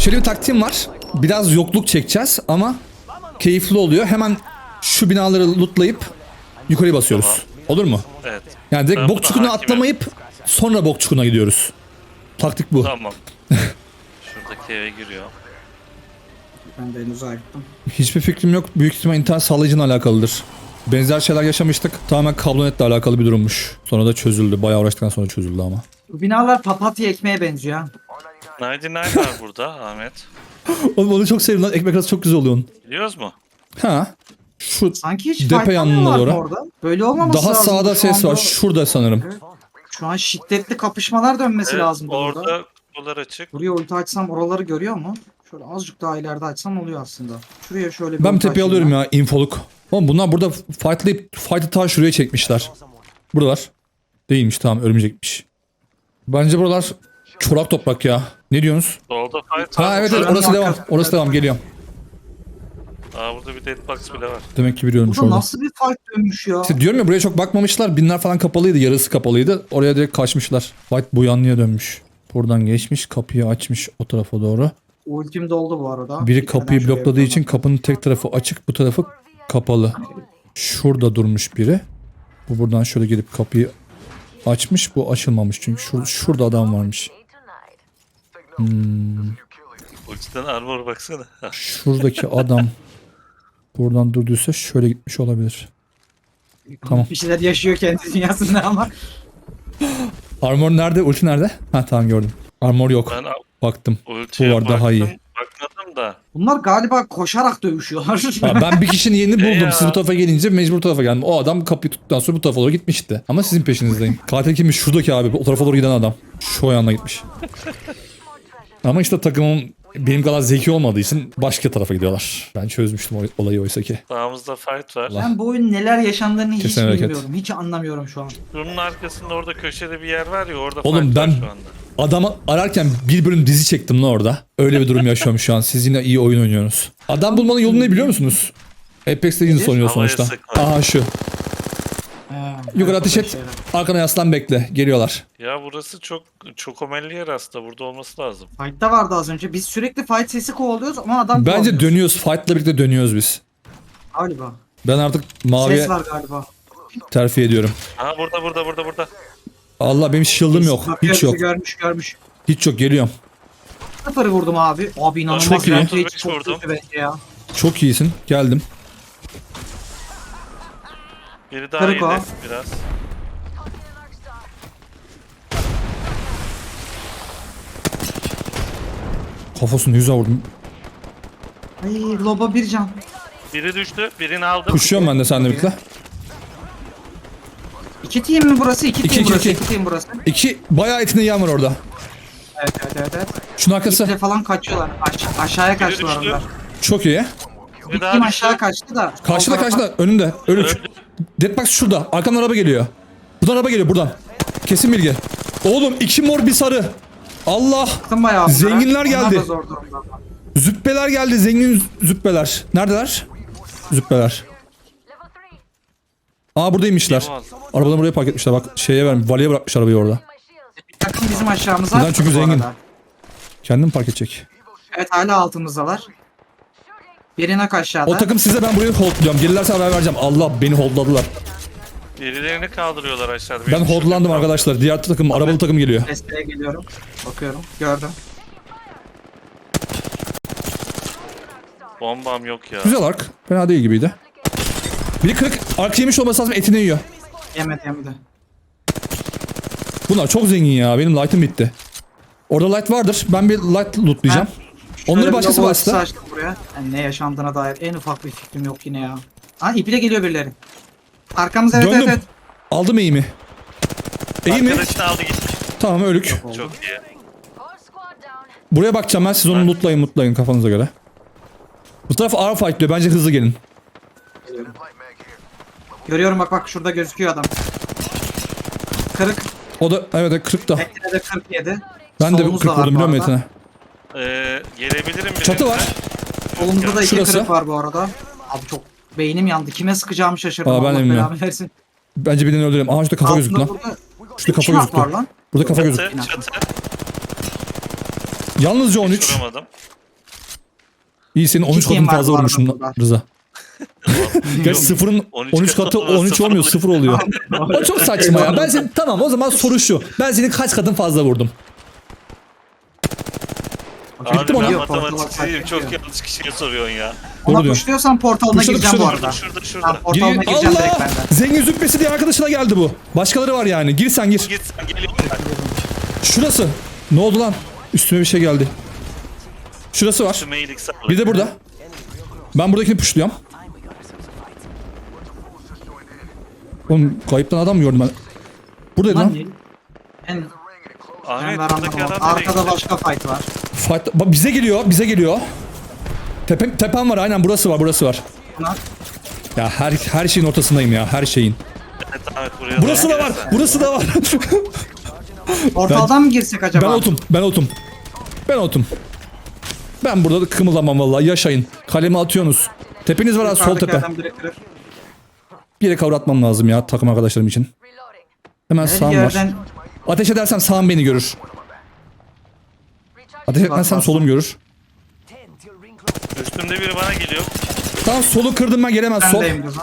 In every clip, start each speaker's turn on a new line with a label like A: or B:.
A: Şöyle bir taktiğim var. Biraz yokluk çekeceğiz ama keyifli oluyor. Hemen şu binaları lootlayıp yukarıya basıyoruz.
B: Tamam.
A: Olur mu?
B: Evet.
A: Yani direkt
B: Ben
A: bok
B: buna
A: çukuruna
B: hakimim.
A: atlamayıp sonra bok çukuruna gidiyoruz. Taktik bu.
B: Tamam. Şuradaki eve giriyor.
C: Ben de henüz ayıktım.
A: Hiçbir fikrim yok. Büyük ihtimal internet sağlayıcıyla alakalıdır. Benzer şeyler yaşamıştık. Tamamen kablonetle alakalı bir durummuş. Sonra da çözüldü. Bayağı uğraştıktan sonra çözüldü ama.
C: Bu binalar papatya ekmeğe benziyor ha.
B: 99 var burada Ahmet.
A: Oğlum onu çok sevdim lan. Ekmek arası çok güzel oluyor onun.
B: Biliyoruz mu?
A: Ha. Şu
C: Sanki hiç
A: depe yanına
C: fightlamıyorlar
A: doğru.
C: mı orada? Böyle olmaması
A: Daha
C: lazım.
A: sağda
C: Şu
A: ses
C: anda-
A: var. Şurada sanırım.
C: Evet. Şu an şiddetli kapışmalar dönmesi
B: Evet,
C: lazım burada.
B: orada kutular açık.
C: Buraya ulti açsam oraları görüyor mu? Şöyle azıcık daha ileride açsam oluyor aslında. Şuraya şöyle bir
A: Ben bir
C: ulti
A: tepeye
C: açayım
A: alıyorum ya. Infoluk. Oğlum bunlar burada fight'ı ta şuraya çekmişler. Buralar. Değilmiş, tamam, örümcekmiş. Bence buralar çorak toprak ya. Ne diyorsunuz?
B: Solda fight
A: Ha
B: var.
A: evet evet,
C: Şuranın
A: orası devam.
C: arkasında.
A: Orası devam, geliyorum.
B: Aa, burada bir deadbox bile var.
A: Demek ki biliyormuş
C: Burada
A: orada.
C: nasıl bir fight dönmüş ya?
A: İşte diyorum ya, buraya çok bakmamışlar. Binler falan kapalıydı. Yarısı kapalıydı. Oraya direkt kaçmışlar. Fight bu yanlıya dönmüş. Buradan geçmiş. Kapıyı açmış o tarafa doğru.
C: Ultim doldu bu arada.
A: Biri
C: Gitmeden
A: kapıyı
C: şuraya
A: blokladığı
C: bir
A: için kapının tek tarafı açık. Bu tarafı kapalı. Şurada durmuş biri. Bu buradan şöyle gelip kapıyı açmış. Bu açılmamış. Çünkü şurada adam varmış.
B: Ultiden armor baksana.
A: Şuradaki adam buradan durduysa şöyle gitmiş olabilir. Tamam.
C: Bir şeyler yaşıyor kendi dünyasında ama.
A: Armor nerede? Ulti nerede? Ha tamam, gördüm. Armor yok.
B: Ben
A: Baktım.
B: ultiye
A: Bu var, daha iyi.
B: Bakmadım da.
C: Bunlar galiba koşarak dövüşüyorlar.
A: Ha, ben bir kişinin yerini buldum.
B: Ya.
A: Siz bu tarafa gelince mecbur bu tarafa geldim. O adam kapıyı tuttuktan sonra bu tarafa doğru gitmişti. Ama sizin peşinizdeyim. Katil kimmiş? Şuradaki abi. O tarafa doğru giden adam. Şu ayağına gitmiş. Ama işte takımım benim kadar zeki olmadığı için başka tarafa gidiyorlar. Ben çözmüştüm olayı oysa ki.
B: Sağımızda fight var.
C: Ben bu oyun neler yaşandığını hiç
A: Kesin hareket.
C: bilmiyorum. Hiç anlamıyorum şu an.
B: Şunun arkasında orada köşede bir yer var ya, orada
A: Oğlum
B: fight
A: ben
B: var şu anda.
A: adamı ararken bir bölüm dizi çektim lan orada. Öyle bir durum yaşıyorum şu an. Siz yine iyi oyun oynuyorsunuz. Adam bulmanın yolunu ne biliyor musunuz? Apex Legends oynuyor
B: Havaya
A: sonuçta.
B: sıkma.
A: Aha şu. Yukarı ateş et.
C: Şeyler.
A: Arkana yaslan, bekle. Geliyorlar.
B: Ya burası çok omelli yer aslında. Burada olması lazım.
C: Fight'ta vardı az önce. Biz sürekli fight sesi kovalıyoruz ama adam
A: Bence
C: kovalıyoruz.
A: dönüyoruz. Fight'la birlikte dönüyoruz biz.
C: Galiba.
A: Ben artık maviye
C: Ses var galiba.
A: terfi ediyorum.
B: Aha, burada.
A: Allah, benim shield'ım yok.
C: Bakıyor,
A: Hiç yok.
C: Görmüş.
A: Hiç yok, geliyorum.
C: Sıfırı vurdum abi. Abi inanılmaz.
A: Çok iyi.
C: Bence hiç çok
B: Vurdum.
C: kötü bence ya.
A: Çok iyisin. Geldim.
B: Biri daha
C: Kırık o.
B: iyiydi biraz.
A: Kafasını yüze vurdum.
C: Ay loba bir can.
B: Biri düştü. Birini aldım.
A: Kuşuyorum ben de seninle birlikte.
C: İki team mi burası? İki
A: İki,
C: team
A: iki,
C: burası.
A: iki.
C: İki team burası.
A: İki bayağı etinde yan var orada.
C: Evet.
A: Şunun arkası.
C: İple falan kaçıyorlar. Aşağıya kaçtılar
B: düştü.
C: onlar.
A: Çok iyi.
C: Bir
B: Bir
C: team
B: daha
C: aşağı
B: düştü.
C: kaçtı da.
A: Karşıda
C: sol tarafa-
A: karşıda. Önünde. Ölük.
B: Öldü.
A: Deadbox şurada. Arkamdan araba geliyor. Buradan araba geliyor, buradan. Kesin bilgi. Oğlum 2 mor bir sarı. Allah.
C: Baktım bayağı onlara.
A: Zenginler
C: Onlar
A: geldi.
C: da zor durumda.
A: Züppeler geldi. Zengin züppeler. Neredeler? Züppeler. Aa, buradaymışlar. Arabadan buraya park etmişler. Bak şeye vermiş. Valeye bırakmış arabayı orada.
C: Bir takım bizim aşağımıza.
A: Neden? Çünkü
C: bu
A: zengin.
C: arada.
A: Kendim park edecek.
C: Evet hala altımızdalar. Birine aşağıda.
A: O takım size, ben burayı holdluyorum. Gelirlerse haber vereceğim. Allah, beni holdladılar.
B: Birilerini kaldırıyorlar aşağıda.
A: Ben
B: Beni
A: holdlandım
B: düşürdü.
A: arkadaşlar. Diğer takım, arabalı takım geliyor.
C: Desteğe geliyorum. Bakıyorum. Gördüm.
B: Bombam yok ya.
A: Güzel ark. Fena değil gibiydi. Biri kırık. Ark yemiş olması lazım. Etini yiyor.
C: Yemedi.
A: Bunlar çok zengin ya. Benim light'ım bitti. Orada light vardır. Ben bir light lootlayacağım. Onları
C: Şöyle bir
A: başkası
C: logo
A: bastı.
C: açtım buraya. Yani ne yaşandığına dair en ufak bir fikrim yok yine ya. Ha iple geliyor birileri. Arkamız evet
A: Döndüm.
C: evet.
A: Aldım eğimi. Eğimi.
B: Arkadaşını aldı gitmiş.
A: Tamam, ölük.
B: Çok iyi.
A: Buraya bakacağım ben. Siz onu lootlayın kafanıza göre. Bu taraf ağır fight diyor. Bence hızlı gelin.
C: Görüyorum bak şurada gözüküyor adam. Kırık.
A: O da evet 40 da.
C: Ekine de 47.
A: Ben de
C: Solumuz
A: 40
C: da var
A: vurdum
C: bu
A: biliyor musun
C: arada.
A: Etine?
B: Gelebilirim bir.
A: Çatı var.
C: Solumuzda da iki
A: Şurası.
C: kırık var bu arada. Abi çok beynim yandı. Kime sıkacağımı şaşırdım.
A: Aa, ben de
C: Allah
A: bilmiyorum.
C: belamı versin.
A: Bence birini öldürelim. Aha, şurada kafa gözüktü lan.
C: Burada
A: Şurada kafa
C: iki hak var
A: gözüktü.
C: lan.
A: Burada kafa gözüktü.
B: Çatı.
A: Yalnızca 13.
B: Vuramadım.
A: İyi senin 13
C: team
A: katın
C: var
A: fazla
C: bu arada
A: vurmuşsun
C: burada.
A: Rıza. Gerçi sıfırın 13 katı 13 olmuyor 0 oluyor. O çok saçma ya. Ben senin tamam o zaman soru şu. Ben senin kaç katın fazla vurdum?
B: Abi
A: Bitti mi
B: ben
A: ona?
B: matematikçiyim. Çok yanlış kişiye soruyorsun ya.
C: Ona
A: Doğru diyor.
C: puşluyorsan portalına
A: Puşladı,
C: gireceğim bu
A: puşladı.
C: arada.
B: Şurada.
C: Ben portalına gireceğim direkt
A: Allah!
C: benden.
A: Zengin züppesi diye arkadaşına geldi bu. Başkaları var yani. Gir sen gir.
B: Git sen geliyorum ben.
A: Şurası. Ne oldu lan? Üstüme bir şey geldi. Şurası var.
B: Şu mailik sağlık.
A: Bir de burada. Ben buradakini puşluyorum. Oğlum kayıptan adam mı gördüm ben? Buradaydı
C: Lan
A: lan.
C: değil. Ben
B: Ahmet
C: var
B: buradaki
C: anlamadım.
B: adam nereye
C: Arkada
B: gitti?
C: başka fight var.
A: Fight... Bak bize geliyor, bize geliyor. Tepem var aynen burası var, burası var.
C: Buna
A: Ya her şeyin ortasındayım ya, her şeyin.
B: Evet Ahmet buraya
A: Burası
B: doğru
A: da var,
B: gelirsen.
A: burası da var.
C: portaldan mı girsek acaba?
A: Ben otum. Ben burada da kımıldamam vallahi, yaşayın. Kalemi atıyorsunuz. Tepeniz var ha, sol tepe.
C: Yukarıdakilerden biri kırık.
A: Bir yere cover atmam lazım ya takım arkadaşlarım için. Hemen
C: Her
A: sağım var.
C: yerden
A: Ateş edersem sağım beni görür. Ateş etmezsem solum görür.
B: Üstümde biri bana geliyor.
A: Tamam solu kırdım ben, gelemez sol.
C: bendeyim Rıza.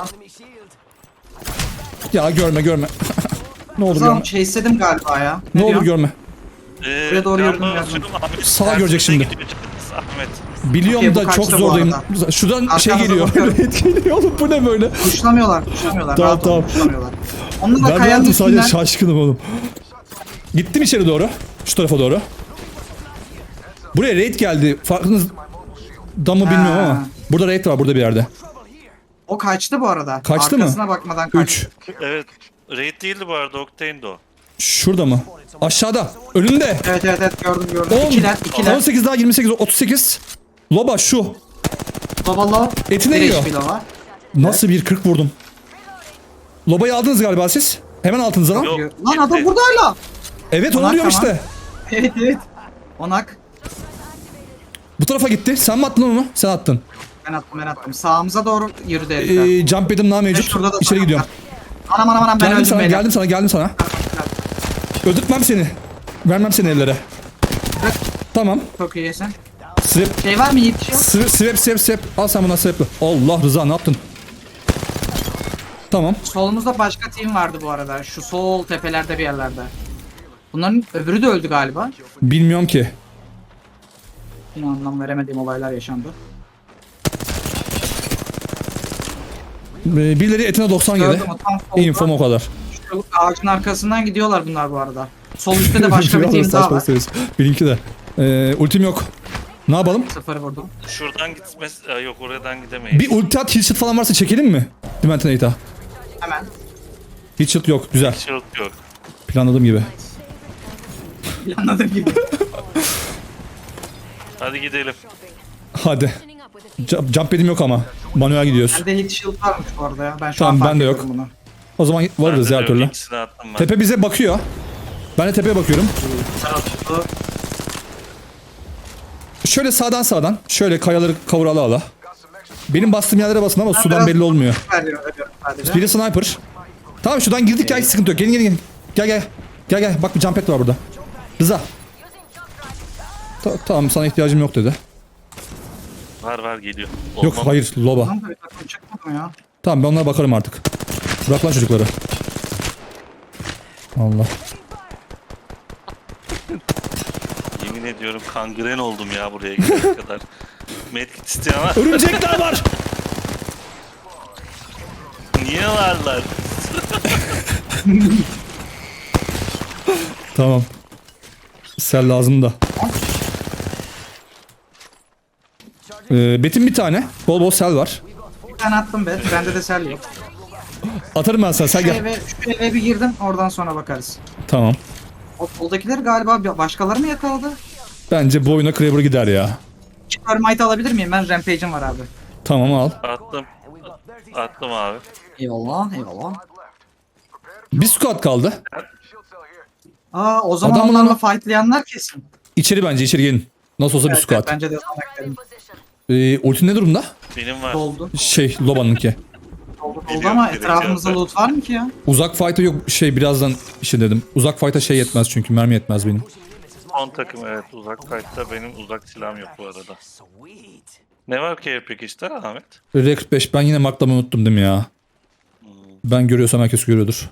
A: Ya görme. Ne olur
C: Rıza
A: görme.
C: şey istedim galiba ya.
A: Ne olur
C: diyorsun?
A: görme.
C: Buraya doğru
B: yardım
C: yürüdüm biraz.
B: atıyorum, Ahmet
A: Sağa
B: tersine
A: görecek şimdi.
B: gidiyor. Ahmet.
A: Biliyorum
C: Okey, bu
A: da çok
C: kaçtı bu
A: zordayım.
C: arada.
A: Şuradan şey
C: Arkamıza
A: geliyor.
C: bakıyorum.
A: Red geliyor oğlum, bu ne böyle?
C: Kuşlamıyorlar.
A: Tamam,
C: Rahat olun,
A: tamam.
C: kuşlamıyorlar. Onu da
A: Ben
C: kayanın
A: rahatım, sadece
C: üstünden.
A: şaşkınım oğlum. Gittim içeri doğru. Şu tarafa doğru. Buraya raid geldi. Farkınız da mı bilmiyorum ama. Burada raid var burada bir yerde.
C: O kaçtı bu arada.
A: Kaçtı mı?
C: Arkasına bakmadan kaçtı.
A: 3.
B: Evet. Raid değildi bu arada. Octane'di o.
A: Şurada mı? Aşağıda. Önünde.
C: Evet gördüm.
A: 10.
C: İkiler.
A: 18 daha 28 38. Loba şu.
C: Babalo.
A: Etine
C: bir
A: yiyor.
C: HP Lova.
A: Nasıl bir 40 vurdum. Lobayı aldınız galiba siz. Hemen altınıza lan.
B: Yok.
C: Lan adam burada hala.
A: Evet onu
C: Onak,
A: diyorum
C: tamam.
A: işte.
C: Evet. Onak.
A: Bu tarafa gitti. Sen mi attın onu? Sen attın.
C: Ben attım. Sağımıza doğru yürüdü herifler.
A: Jump edim daha
C: Ve
A: mevcut.
C: şurada da
A: İçeri
C: sana
A: gidiyorum.
C: var. Anam ben
A: Geldim
C: öldüm
A: sana,
C: beyler.
A: geldim sana. Öldürtmem seni. Vermem seni ellere. Tamam.
C: Çok iyisin.
A: Swap,
C: Şey var mı Yiğit şey yok?
A: swap. Al sen buna swap'ı. Allah Rıza ne yaptın? Tamam.
C: Solumuzda başka team vardı bu arada. Şu sol tepelerde bir yerlerde. Bunların öbürü de öldü galiba.
A: Bilmiyorum ki.
C: Yine anlam veremediğim olaylar yaşandı.
A: Birileri etine 90 yedi.
C: Gördüm o tam solda.
A: Infom o kadar.
C: Şu ağacın arkasından gidiyorlar bunlar bu arada. Sol üstte de başka bir
A: Biraz
C: team daha
A: saçma
C: var.
A: söylüyorsun. Benimki de. Ultim yok. Ne yapalım?
C: Sıfır vurdum.
B: Şuradan gitmez. Yok oradan gidemeyiz.
A: Bir ulti at, heal shot falan varsa çekelim mi? Dimentonate'a.
C: Hemen.
A: Heal shot yok. Güzel.
B: Shield yok.
A: Planladığım gibi.
C: Planladığım gibi.
B: Hadi gidelim.
A: Hadi. Jump edim yok ama. Manuel gidiyoruz.
C: Bende hit shield varmış bu arada ya. Ben şu
A: Tamam,
C: an fark
A: bende yok.
C: ediyorum bunu.
A: O zaman varırız
B: Bende
A: ya
B: de
A: her türlü.
B: yok, ikisini attım ben.
A: Tepe bize bakıyor. Ben de tepeye bakıyorum.
C: Tarafı
A: Şöyle sağdan. Şöyle kayaları kavur ala. Benim bastığım yerlere basın ama sudan
C: biraz-
A: belli olmuyor.
C: veriyorum sadece.
A: Biri sniper. Tamam şuradan girdik ya, hiç sıkıntı yok. Gelin. Gel. Bak bir jump pad var burada. Rıza. Tamam sana ihtiyacım yok dedi.
B: Var geliyor.
A: Yok
B: Olmam.
A: hayır loba.
C: Tamam da bir takım çıkmadı mı ya?
A: Tamam ben onlara bakarım artık. Bırak lan çocukları. Allah.
B: Yemin ediyorum kangren oldum ya buraya gelene kadar. Medkit isteyen var.
A: Örümcekler var.
B: Niye varlar?
A: Tamam. Sel lazım da. Betim bir tane. Bol sel var.
C: Bir tane attım be. Bende de sel yok.
A: Atarım ben sana. Sen
C: Şu
A: gel.
C: eve bir girdim. Oradan sonra bakarız.
A: Tamam.
C: O soldakiler galiba başkaları mı yakaladı?
A: Bence bu oyuna Kraber gider ya.
C: Termite alabilir miyim? Ben Rampage'im var abi.
A: Tamam al.
B: Attım abi.
C: Eyvallah.
A: Bir squad kaldı.
C: Aa o zaman
A: Adam
C: onlarla
A: bunu-
C: fightlayanlar kesin.
A: İçeri bence içeri gelin. Nasıl olsa bir squad.
C: Bence de sana
A: Ultin ne durumda?
B: Benim var.
C: doldu.
A: Loba'nınki.
C: Doldu
B: Biliyorum,
C: ama
B: direkt
C: etrafımızda
B: yazdı.
C: loot var mı ki ya?
A: Uzak fight'a yok birazdan dedim. Uzak fight'a yetmez çünkü mermi yetmez benim.
B: 10 takım evet uzak kayıtta benim uzak silahım yok bu arada. Ne var ki peki işte Ahmet?
A: R45 ben yine marklamayı unuttum değil mi ya? Ben görüyorsam herkes görüyordur.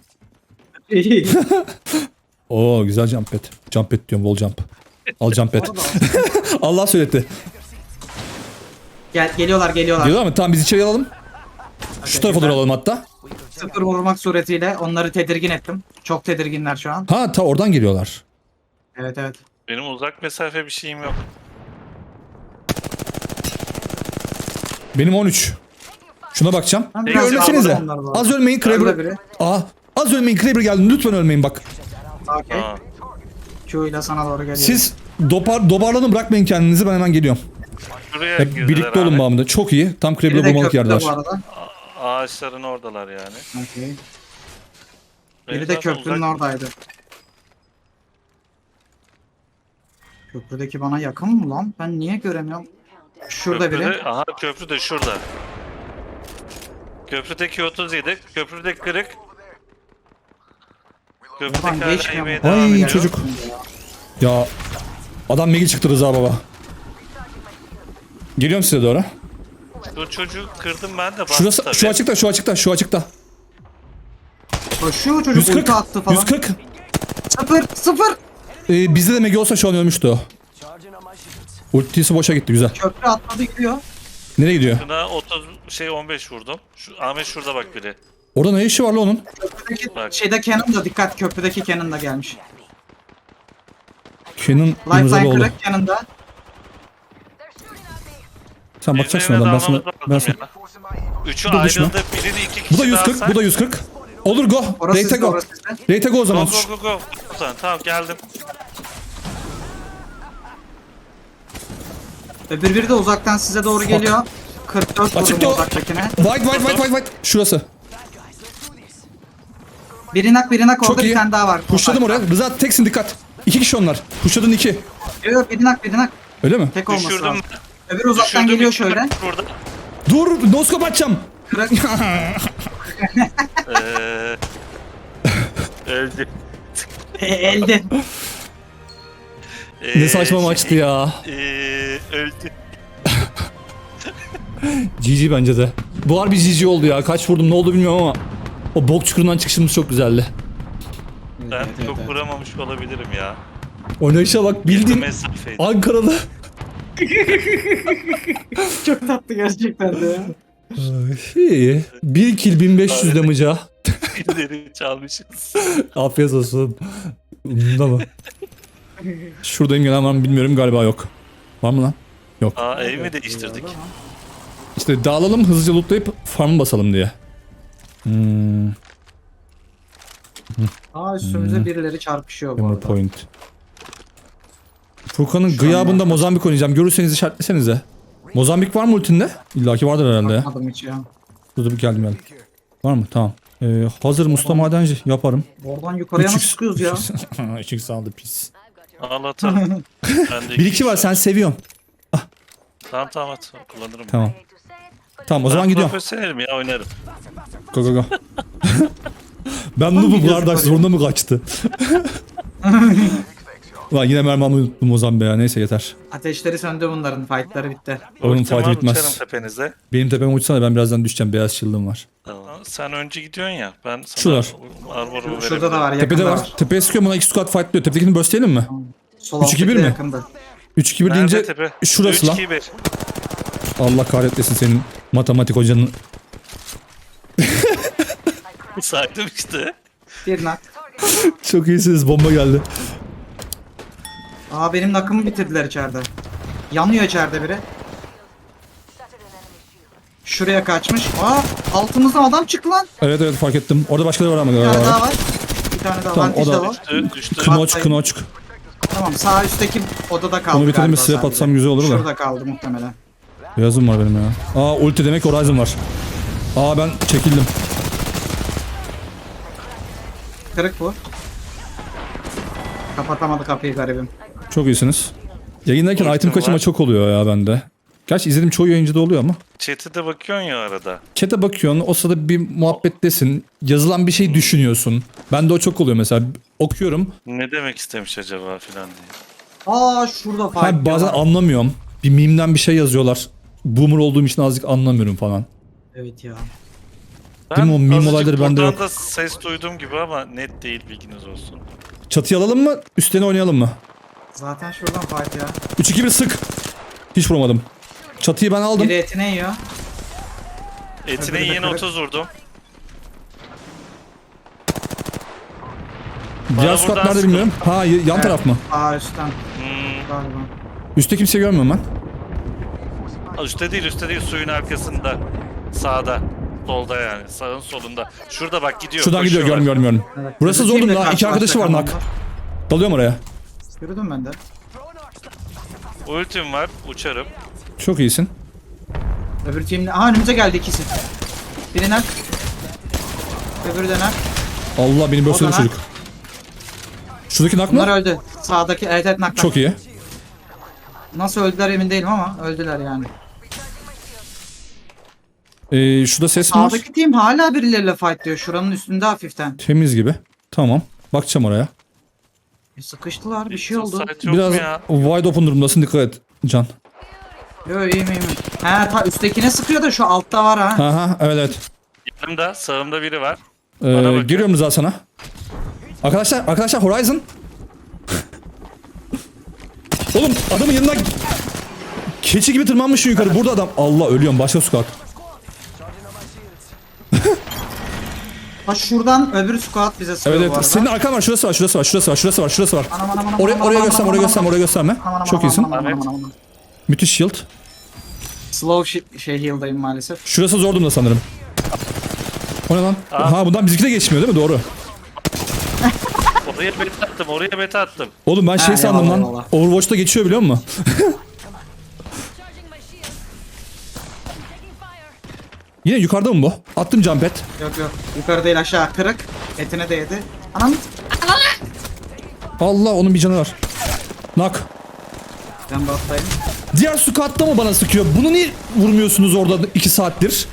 A: Oo güzel jump pad. Jump pad diyorum, wall jump. Al jump pad. Allah söyletti.
C: Geliyorlar.
A: Diyorlar mı? Tamam biz içeri alalım. Şu tarafa doğru alalım hatta.
C: Sıfır vurmak suretiyle onları tedirgin ettim. Çok tedirginler şu an.
A: Ha ta oradan geliyorlar.
C: Evet.
B: Benim uzak mesafe bir şeyim yok.
A: Benim 13. Şuna bakacağım.
C: Ben
A: Bir
C: biraz
A: ölmesenize.
C: yağladım onları bu arada.
A: Az ölmeyin
C: Nerede biri?
A: Kraber. Aa, az ölmeyin Kraber geldi. Lütfen ölmeyin bak.
C: Okey.
B: Aa,
C: Q ile sana doğru geliyor.
A: Siz dobarlanın, bırakmayın kendinizi, ben hemen geliyorum.
B: şuraya
A: Hep
B: girdiler
A: birlikte olun
B: Ahmet.
A: bağımda. Çok iyi. Tam
C: biri
A: Kraber'ı
C: de
A: bulmalık
C: köprüde
A: yerler.
C: bu arada.
B: Ağaçların oradalar yani.
C: Okey.
B: Benim
C: Biri de
B: zaten
C: köprünün
B: uzak-
C: oradaydı. Köprüdeki bana yakın mı lan? Ben niye göremiyorum? Şurada biri.
B: Aha köprü de şurada. Köprüdeki 37, köprüdeki kırık.
C: Ulan
B: Köprüdeki hala
C: geçmiyor
B: yemeğe
C: mu?
B: devam
A: Ay,
B: ediyor.
A: çocuk. Ya adam Megi çıktı Rıza baba. Geliyorum size doğru.
B: Şu çocuğu kırdım ben de bastı
A: Şurası,
B: tabii.
A: şu açıkta.
C: Koşuyor çocuk
A: 140.
C: ulti attı falan.
A: 140.
C: Sıfır.
A: Bizde de Megi olsa şu an ölmüştü o. Ultisi boşa gitti, güzel.
C: Köprü atladı gidiyor.
A: Nereye gidiyor?
B: Şuna 15 vurdum. Ahmet şurada bak biri.
A: Orada ne işi var lan onun?
C: Köprüdeki
B: Bak.
C: şeyde Canon da dikkat. Köprüdeki Canon da gelmiş.
A: Kenan
C: Lifeline
A: İmzaloğlu.
C: kırık Canon da.
A: Sen bakacaksın
B: Birine
A: adam.
B: dalmamız lazım
A: Ben sana...
B: ya. Üçü
A: Dur, düşme.
B: ayrıldı. Birini 2 kişi
A: Bu da 140,
B: daha
A: bu da 140. Olur go.
C: Orası
A: Rate'e
C: sizde,
A: go.
C: orası sizde.
A: Rate'e go o
B: Go
A: zaman.
B: go go go. Tamam geldim.
C: Öbür biri de uzaktan size doğru geliyor. 44
A: Açıkta
C: vurdum
A: o.
C: uzaktakine.
A: White. Şurası.
C: Biri nak orada
A: Çok iyi.
C: bir tane daha var.
A: Pushladım oraya. Rıza teksin, dikkat. 2 kişi onlar. Pushladın 2.
C: Yok biri nak.
A: Öyle mi?
C: Tek olması
B: Düşürdüm.
C: lazım. Öbür uzaktan
B: Düşürdüm,
C: geliyor
B: iki
C: şöyle.
B: burada.
A: Dur, noskop açacağım.
C: Kırık.
B: Öldü.
C: Elde.
A: Ne saçma maçtı ya.
B: Öldü.
A: GG bence de. Bu harbi GG oldu ya. Kaç vurdum ne oldu bilmiyorum ama o bok çukurundan çıkışımız çok güzeldi.
B: Ben çok vuramamış olabilirim ya.
A: Oynayışa bak, bildiğin
B: Mesafeydi.
A: Ankaralı.
C: Çok tatlı gerçekten de ya.
A: İyi. 1 kill 1500 damage'a.
B: Pilleri çalmışız.
A: Afiyet olsun. Bunda mı? Şuradayım, gelen var mı bilmiyorum, galiba yok. Var mı lan? Yok.
B: Aa ev mi değiştirdik?
A: İşte dağılalım, hızlıca lootlayıp farmı basalım diye.
C: Aa üstümüze birileri çarpışıyor bu
A: Hammer
C: arada.
A: point. Furkan'ın
C: Şu an
A: gıyabında
C: yok.
A: Mozambik oynayacağım. Görürseniz işaretlesenize. Mozambik var mı ultinde? İlla ki vardır herhalde ya.
C: Bakmadım hiç ya.
A: Dur bir geldim. Var mı? Tamam. Hazır Mustafa Madenci yaparım.
C: Oradan yukarıya nasıl
A: 3x
C: sıkıyoruz ya?
A: 3x aldı pis.
B: Ağlatalım. Ben de
A: 1-2 var, sen seviyorsun.
B: Tamam at. Kullanırım.
A: Tamam. Tamam o
B: Ben
A: zaman gidiyorum.
B: profesyonelim ya oynarım.
A: Go. Ben noob'um
C: gözü
A: kardeş,
C: var ya.
A: zorunda mı kaçtı? Lan yine mermimi unuttum Mozambik'e ya, neyse yeter.
C: Ateşleri söndü bunların. Fightları bitti.
A: Onun
B: Ultim
A: fight'ı
B: var,
A: bitmez.
B: uçarım tepenize.
A: Benim tepeme uçsana, ben birazdan düşeceğim, beyaz shield'ım var.
B: Tamam. Sen önce gidiyorsun ya. Ben sana
A: Şuralar.
B: armorumu
C: Şurada da var.
A: Tepede
C: yakında
A: var. Tepeye sıkıyorum, buna 2 squad fightlıyor. Tepedekini burstleyelim mi?
C: Sol
A: 3-2-1
C: alttaki de
A: mi?
C: yakında.
A: 3-2-1
B: Nerede
A: deyince
B: tepe?
A: şurası lan.
B: 3-2-1.
A: Allah kahretmesin senin matematik hocanın.
B: Saydım işte.
C: Bir nak.
A: Çok iyisiniz, bomba geldi.
C: Aa benim nakımı bitirdiler içeride. Yanıyor içeride biri. Şuraya kaçmış. Aa altımızdan adam çıktı lan.
A: Evet fark ettim. Orada başkaları var ama
C: Bir tane
A: galiba.
C: daha var. Bir tane daha
A: Tamam,
C: var.
A: o da-
C: var.
B: Düştü.
A: Knoçk.
C: Tamam sağ üstteki odada kaldı.
A: Onu bitirelim,
C: galiba
A: swap
C: sadece.
A: atsam güzel olur da.
C: Şurada kaldı muhtemelen.
A: Beyazım var benim ya. Aa ulti demek Horizon var. Aa ben çekildim.
C: Kırık bu. Kapatamadı kapıyı garibim.
A: Çok iyisiniz. Yayındayken
B: Ultim
A: item kaçırma
B: var.
A: çok oluyor ya bende. Gerçi izlediğim çoğu yayıncıda oluyor ama.
B: Chat'e de bakıyorsun ya arada.
A: Chat'e bakıyorsun, o sırada bir muhabbettesin. Yazılan bir şey düşünüyorsun. Bende o çok oluyor mesela. Okuyorum.
B: Ne demek istemiş acaba filan diye.
C: Aa şurada fight.
A: Ha, bazen
C: var.
A: anlamıyorum. Bir mimden bir şey yazıyorlar. boomer olduğum için azıcık anlamıyorum falan.
C: Evet ya.
A: Değil mi? O meme
B: azıcık
A: olayları bende
B: buradan
A: yok.
B: da ses duyduğum gibi ama net değil, bilginiz olsun.
A: Çatıyı alalım mı? Üstlerine oynayalım mı?
C: Zaten şuradan fight ya.
A: 3-2-1 sık. Hiç vuramadım. Çatıyı ben aldım.
C: Biri etine yiyor.
B: Etine
C: Öbürü de
B: yeni
C: kırık.
B: 30 vurdum.
A: Diğer
B: Bana
A: squad
B: buradan
A: nerede bilmiyorum. Ha yan taraf mı?
C: Aa üstten
B: Hmm.
C: galiba.
A: Üstte kimse görmüyorum ben.
B: Üstte değil, suyun arkasında. Sağda. Solda yani. Sağın solunda. Şurada bak gidiyor.
A: Şuradan gidiyor,
B: koşuyorlar.
A: görmüyorum.
C: Evet.
A: Burası
C: Öbür
A: zordum
C: teamle
A: daha. İki arkadaşı var
C: karşılaşacak
A: nak.
C: adamlar.
A: Dalıyorum oraya.
C: Yürüdüm ben de.
B: Ultim var. Uçarım.
A: Çok iyisin.
C: Öbür teamle... Aha önümüze geldi ikisi. Biri nak. Öbürü de nak.
A: Allah beni
C: O da
A: bölsene
C: nak.
A: çocuk. Şuradaki nak
C: Bunlar
A: mı?
C: öldü. Sağdaki evet nak.
A: Çok iyi.
C: Nasıl öldüler emin değilim ama öldüler yani.
A: Şurada ses mi var?
C: Sağdaki team hala birileriyle fight diyor. Şuranın üstünde hafiften.
A: Temiz gibi. Tamam. Bakacağım oraya.
C: Sıkıştılar bir şey oldu.
B: Site yok
A: Biraz
B: mu ya?
A: wide open durumdasın, dikkat et Can.
C: Yo iyiyim. He ta üsttekine sıkıyor da şu altta var ha.
A: Ha evet evet.
B: Yanımda, sağımda biri var. Bana bakıyor.
A: Giriyorum Rıza sana. Arkadaşlar Horizon. Oğlum adamın yanına keçi gibi tırmanmışsın yukarı. Burada adam. Allah ölüyorum, başka squad.
C: Ha şuradan öbür squad bize sıkıyor
A: Evet
C: bu
A: evet.
C: arada.
A: Senin arkan var. Şurası var.
C: Anam, anam, anam,
A: Oraya
C: anam,
A: oraya
C: anam,
A: gösterme,
C: anam,
A: oraya
C: anam,
A: gösterme, oraya gösterme.
C: anam, anam,
A: Çok
C: anam,
A: iyisin.
C: anam, anam, anam.
A: Müthiş shield.
C: Slow heal'dayım maalesef.
A: Şurası zor durumda sanırım. O ne lan? Ha bundan bizimki de geçmiyor değil mi? Doğru.
B: Oraya beta attım.
A: Oğlum ben şey
C: Ha,
A: sandım
C: eyvallah,
A: lan.
C: eyvallah.
A: Overwatch'ta geçiyor biliyor musun? Yine yukarıda mı bu? Attım jump pad.
C: Yok. Yukarı değil aşağı kırık. Etine değdi. Anam.
A: Allah, onun bir canı var. Nak.
C: Ben battayım.
A: Diğer squad'da mı bana sıkıyor? Bunu niye vurmuyorsunuz orada 2 saattir?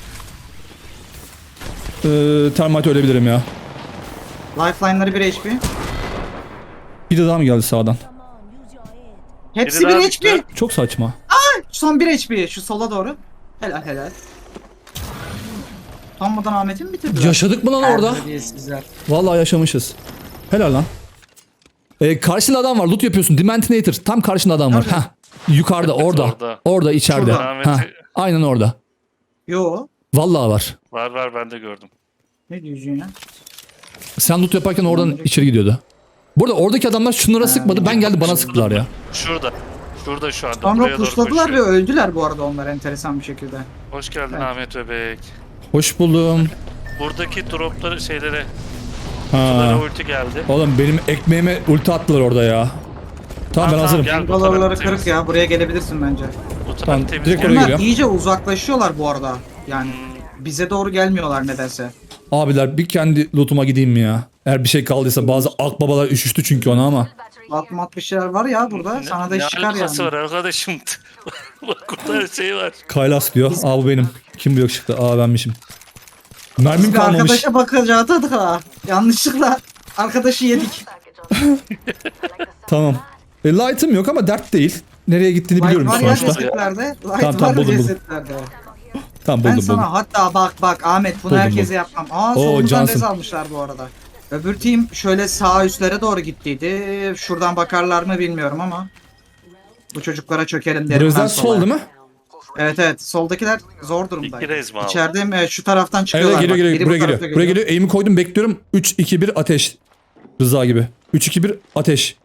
A: Termite ölebilirim ya.
C: Lifeline'ları 1 HP.
A: Bir de daha mı geldi sağdan?
C: Hepsi
B: Biri daha
C: 1
B: düştü.
C: HP.
A: Çok saçma.
C: Son 1 HP. Şu sola doğru. Helal. Utanmadan Ahmet'i mi bitirdiler?
A: Yaşadık mı lan orada?
C: Terbiyesizler.
A: Vallahi yaşamışız. Helal lan. Karşında adam var. Loot yapıyorsun. Dementinator. Tam karşında adam var.
C: Nerede?
A: Heh. Yukarıda, orada.
B: orada.
A: Orada içeride.
C: Şurada.
A: Heh. Aynen orada.
C: Yo.
A: Vallahi var.
B: Var ben de gördüm.
C: Ne diyorsun ya?
A: Sen loot yaparken oradan içeri gidiyordu. Burada oradaki adamlar şunlara sıkmadı. Ben geldi bana sıktılar ya.
B: Şurada şu anda.
C: Sonra
B: Buraya doğru
C: pushladılar ve
B: koşuyor.
C: öldüler bu arada onlar enteresan bir şekilde.
B: Hoş geldin
C: Evet.
B: Ahmet Bebek.
A: Hoş buldum.
B: Buradaki dropları şeylere
A: Ha.
B: ulti geldi.
A: Oğlum benim ekmeğime ulti attılar orada ya. Tamam ben hazırım.
B: Gel, bu
C: Bangalorları
B: taraf
C: kırık
B: temiz.
C: ya. Buraya gelebilirsin bence.
B: Bu taraf
A: Tamam,
B: temiz.
A: direkt
B: Gel.
A: oraya
C: Bunlar
A: geliyorum.
C: iyice uzaklaşıyorlar bu arada. Yani bize doğru gelmiyorlar nedense.
A: Abiler bir kendi lootuma gideyim mi ya? Eğer bir şey kaldıysa, bazı akbabalar üşüştü çünkü ona ama.
C: Atmat bir şeyler var ya burada. Sana da iş çıkar
B: alakası
C: yani.
B: var arkadaşım? Bak burada her şey var.
A: Kaylas diyor. Aa bu benim. Kim bu yakışıklı? Aa benmişim. Mermim
C: Bir
A: kalmamış.
C: arkadaşa bakacaktık ha. Yanlışlıkla arkadaşı yedik.
A: Tamam. Light'ım yok ama dert değil. Nereye gittiğini
C: Light
A: biliyorum
C: var ya
A: sonuçta.
C: cesetlerde. Light
A: Tamam,
C: var
A: buldum.
C: cesetlerde.
A: Tamam
C: Ben
A: buldum
C: sana
A: buldum.
C: hatta bak Ahmet bunu
A: Buldum,
C: herkese
A: buldum.
C: yapmam. Aa
A: Oo,
C: solumuzdan
A: Johnson.
C: rez almışlar bu arada. Öbür team şöyle sağ üstlere doğru gittiydi. Şuradan bakarlar mı bilmiyorum ama. Bu çocuklara çökelim derim.
A: Burası
C: ben
A: sol
C: sola.
A: değil mi?
C: Evet. Soldakiler zor durumda.
B: İki rez mi aldı?
C: İçeride şu taraftan
A: Evet
C: çıkıyorlar.
A: geliyor
C: bak.
A: geliyor.
C: Biri
A: Buraya
C: bu
A: geliyor.
C: tarafta
A: Buraya geliyor. Aim'i koydum, bekliyorum. 3 2 1 ateş. Rıza gibi. 3 2 1 ateş.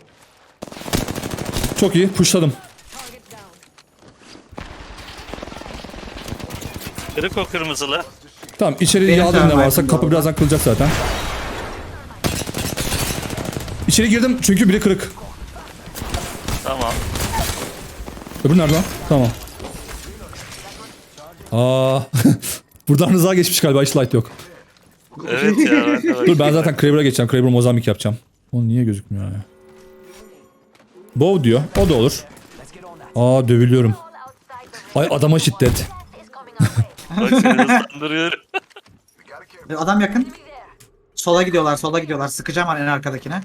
A: Çok iyi. Pushladım.
B: Kırık o kırmızılı.
A: Tamam, içeri
C: Benim
A: yağdım ne
C: termitim
A: varsa.
C: bu
A: Kapı
C: arada.
A: birazdan kırılacak zaten. İçeri girdim çünkü biri kırık.
B: Tamam.
A: Öbürü nerede lan? Tamam. Aa. Buradan Rıza geçmiş galiba, hiç light yok.
B: Evet ya arkadaş.
A: Dur ben zaten Kraber'a geçeceğim. Kraber Mozambik yapacağım. O niye gözükmüyor ya? Bow diyor. O da olur. Aa dövülüyorum. Ay adama şiddet.
B: Bak seni ıslandırıyorum.
C: Adam yakın. Sola gidiyorlar. Sıkacağım en arkadakine.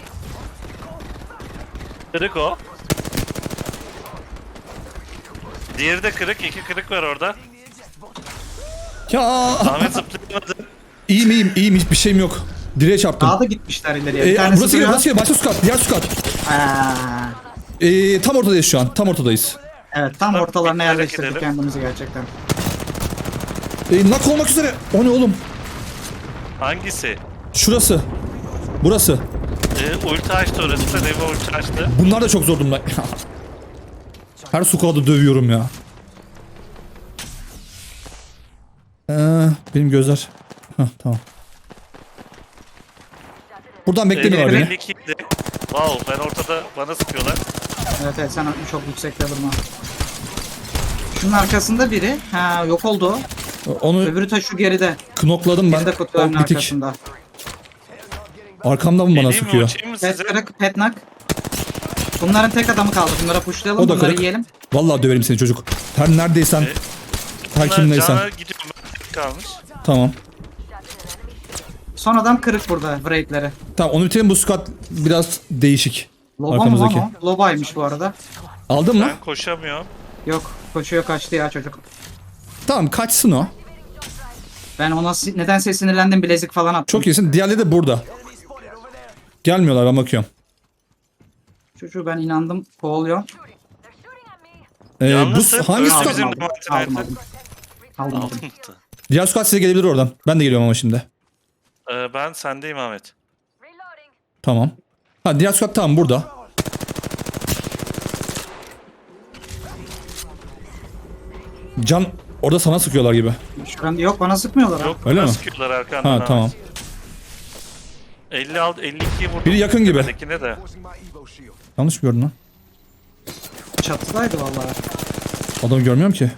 B: Kırık o. Diğeri de kırık. 2 kırık var orada.
A: Ya
B: Ahmet zıplayamadı.
A: iyiyim hiçbir şeyim yok. Direğe çarptım.
C: Daha da gitmişler ileriye. Bir tanesi
A: Burası geliyor,
C: duruyor.
A: burası geliyor. Başka squad, diğer squad. Tam ortadayız şu an. Tam ortadayız.
C: Evet tam ortalarına
B: Hareket
C: yerleştirdik
B: edelim.
C: kendimizi gerçekten.
A: Knock olmak üzere. O ne oğlum?
B: Hangisi?
A: Şurası. Burası.
B: Ulti açtı orası da. Devi ulti açtı.
A: Bunlar da çok zor durumda. Her squad'ı dövüyorum ya. Benim gözler. Hah, tamam. Buradan beklemiyorlar beni.
B: 52 idi. Wow, ben ortada bana sıkıyorlar.
C: Evet sen çok yüksekte durma. Şunun arkasında biri. Ha yok oldu.
A: Onu
C: Öbürü ta şu geride.
A: knokladım ben.
C: Geride kutuların
A: Bitik.
C: arkasında.
A: Arkamdan mı bana
B: Geleyim mi,
A: sıkıyor?
B: uçayım mı
C: Pet
B: size?
C: kırık, pet knock. Bunların tek adamı kaldı. Bunlara pushlayalım,
A: O da
C: bunları
A: kırık.
C: yiyelim.
A: Vallahi döverim seni çocuk. Her neredeysen. Her
B: Bunlar
A: kimdeysen.
B: cana gidiyorum. Ben kalmış.
A: Tamam.
C: Son adam kırık burada. Wraith'leri.
A: Tamam onu bitirelim, bu squad biraz değişik.
C: Loba mı
A: Arkamızdaki.
C: lan o? Loba'ymış bu arada.
A: Aldın mı?
B: Ben koşamıyorum.
C: Yok. Koşuyor kaçtı ya çocuk.
A: Tamam kaçsın o.
C: Ben ona nedense sinirlendim. Bilezik falan attım.
A: Çok iyisin. Diğerleri de burada. Gelmiyorlar, ben bakıyorum.
C: Çocuğu ben inandım. Kovalıyor.
B: Yalnızsın.
A: Hangi
B: Öyle
A: squad?
B: bizim
C: Aldım,
B: de
C: aldım,
B: Martin'e.
C: aldım.
B: Aldın mı?
A: Diğer squad size gelebilir oradan. Ben de geliyorum ama şimdi.
B: Ben sendeyim Ahmet.
A: Tamam. Ha diğer squad tamam burada. Can orada sana sıkıyorlar gibi.
C: Şuran yok bana sıkmıyorlar.
B: Yok,
A: Öyle
B: bana
A: mi?
B: sıkıyorlar arkandan.
A: Ha
B: Ahmet.
A: tamam.
B: 50 aldı, 52'yi vurdum.
A: Biri yakın gibi.
B: Tepedekine de.
A: Yanlış mı gördün lan?
C: Çatıdaydı vallahi.
A: Adamı görmüyorum ki.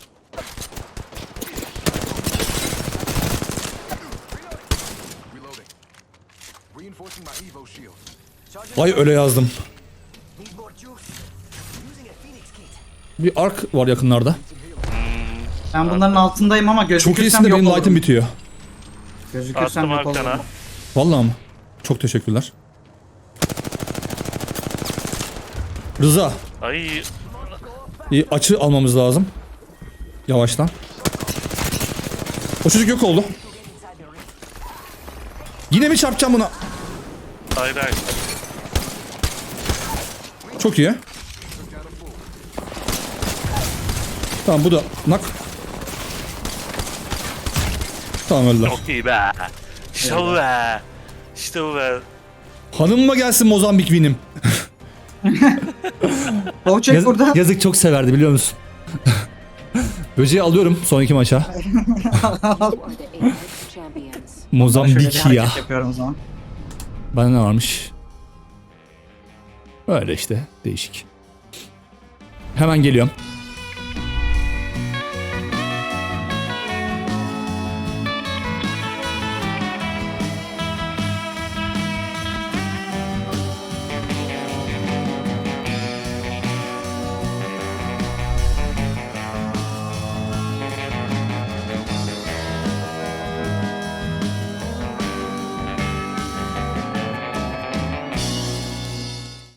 A: Vay öyle yazdım. Bir ark var yakınlarda.
C: Ben bunların altındayım ama
A: Çok iyisin
C: gözükürsem
A: de
C: yok
A: benim light'ım
C: olurum.
A: bitiyor.
C: Gözükürsem
B: Attım
C: yok
B: arkana.
C: olurum.
A: Vallahi mı? Çok teşekkürler. Rıza.
B: Ay,
A: Açı almamız lazım. Yavaştan. O çocuk yok oldu. Yine mi çarpacağım buna?
B: hayır hayır.
A: Çok iyi. Tamam bu da nak. Tamam öldüler.
B: Çok iyi be. İşte bu be. İşte bu be.
A: Hanımıma gelsin Mozambik winim.
C: Boğçek burada.
A: Yazık çok severdi biliyor musun? Böceği alıyorum sonraki maça. Mozambik
C: Şöyle bir
A: ya.
C: hareket yapıyorum o zaman.
A: Bana ne varmış? Öyle işte değişik. Hemen geliyorum.